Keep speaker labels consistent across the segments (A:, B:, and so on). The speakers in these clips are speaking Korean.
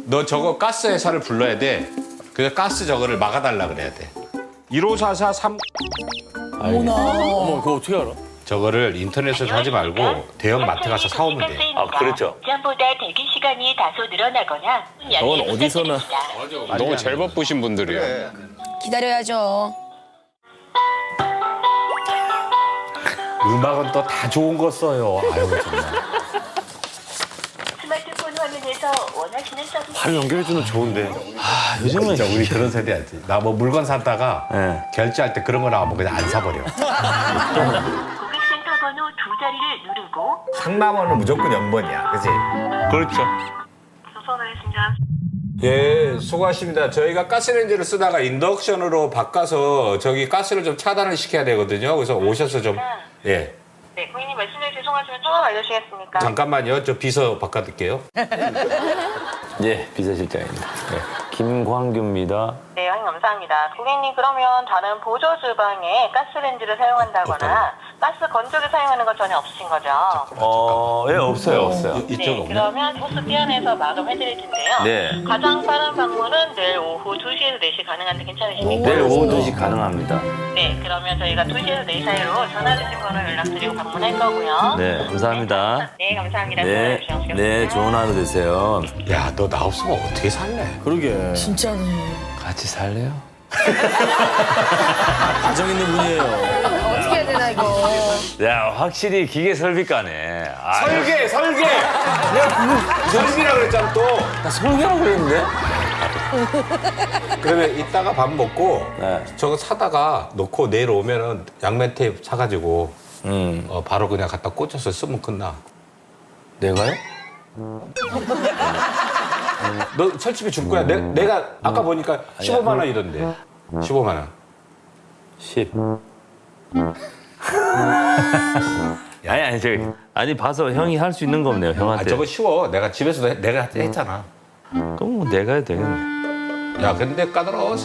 A: 너 저거 가스 회사를 불러야 돼. 그래서 가스 저거를 막아달라 그래야 돼. 15443
B: 어머, 그거 어떻게 알아?
A: 저거를 인터넷에서 사지 말고 대형 마트 가서 사오면 돼.
C: 아, 그렇죠. 전보다 대기 시간이 다소 늘어나거나
B: 저건 어디서나.
D: 너무 잘 바쁘신 분들이야.
E: 기다려야죠.
A: 음악은 또 다 좋은 거 써요. 아유 정말.
C: 스마트폰 화면에서 원하시는 서비스
B: 바로 연결해주면 좋은데.
A: 아 요즘은 진짜 우리 그런 세대야지. 나 뭐 물건 샀다가 결제할 때 그런 거 나오면 그냥 안 사버려.
C: 고객센터 번호 2자리를 누르고
F: 상담원은 무조건 0번이야, 그지?
D: 그렇죠.
C: 수선하겠습니다.
A: 예, 수고하십니다. 저희가 가스레인지를 쓰다가 인덕션으로 바꿔서 저기 가스를 좀 차단을 시켜야 되거든요. 그래서 오셔서 좀 예.
C: 네, 고객님 말씀해 죄송하지만 조금 알려주시겠습니까?
A: 잠깐만요. 저 비서 바꿔드릴게요.
G: 예, 비서실장입니다. 네. 김광규입니다.
C: 네, 형님 감사합니다. 고객님 그러면 다른 보조 주방에 가스레인지를 사용한다거나 가스 건조기 사용하는 건 전혀 없으신 거죠?
G: 예, 없어요.
A: 이쪽
C: 네,
A: 없네.
C: 그러면 호스 떼어내서 마감해드릴 텐데요.
G: 네.
C: 가장 빠른 방문은 내일 오후 2시에서 4시 가능한데 괜찮으십니까?
G: 내일 오후 2시 가능합니다.
C: 네, 그러면 저희가 2시에서 4시 사이로 전화 주신 번호 연락드리고 방문할 거고요.
G: 네, 감사합니다.
C: 네, 감사합니다.
G: 네, 네, 좋은 하루 되세요.
A: 야, 너 나 없으면 어떻게 살래?
B: 그러게.
E: 진짜네.
G: 같이 살래요?
B: 가정 있는 분이에요.
E: 어떻게 해야 되나 이거.
G: 야, 확실히 기계 설비과네. 아,
A: 설계! 내가 설계라 그랬잖아 또.
G: 나 설계라고 그랬는데?
A: 그러면 이따가 밥 먹고
G: 네.
A: 저거 사다가 놓고 내일 오면은 양면 테이프 사가지고 바로 그냥 갖다 꽂혀서 쓰면 끝나.
G: 내가요?
A: 너 설치비 줄 거야. 내가 아까 보니까 15만 원이던데. 15만 원.
G: 10. 아니, 아니, 봐서 형이 할 수 있는 거 없네요,
A: 아,
G: 형한테.
A: 저거 쉬워. 내가 집에서도 내가 했잖아.
G: 그럼 뭐 내가 해도 되겠네.
A: 야, 근데 까다로워.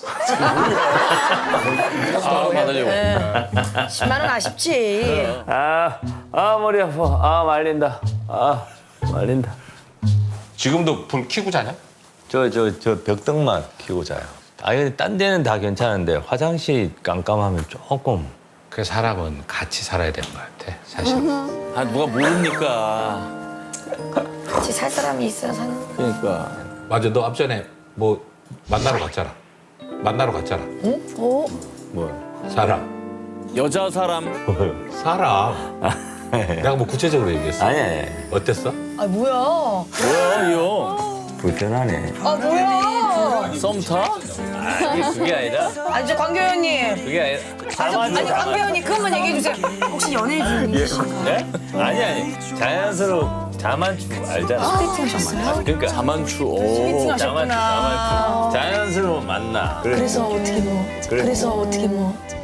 B: 아, 받으려고.
E: 10만 원 아쉽지.
G: 머리 아파. 말린다. 말린다.
A: 지금도 불 켜고 자냐?
G: 저 벽등만 켜고 자요. 근데 딴 데는 다 괜찮은데 화장실 깜깜하면 조금.
A: 그 사람은 같이 살아야 되는 것 같아, 사실.
B: 아, 누가 모르니까.
E: 같이 살 사람이 있어야 사는.
B: 그러니까.
A: 맞아, 너 앞전에 뭐 만나러 갔잖아.
E: 응? 오.
G: 뭐?
A: 사람.
B: 여자 사람.
A: 사람. 내가 뭐 구체적으로 얘기했어.
G: 아니.
A: 어땠어?
E: 아 뭐야?
B: 뭐야, 이 형?
G: 불편하네.
E: 아 뭐야?
B: 썸 타?
G: 그게 아니라.
E: 아니 저 광교 형님.
G: 그게 아니라.
E: 아니 광교 형님 그것만 얘기해 주세요. 혹시 연애 중이신가요?
G: 네? 아니. 자만추 알잖아.
E: 소개팅 하셨어요?
G: 그러니까
B: 자만추.
E: 소개팅
B: 오.
E: 하셨구나.
G: 자연스러운 만나.
E: 그래서 어떻게 뭐?
G: 그래.
E: 그래서 어떻게 뭐?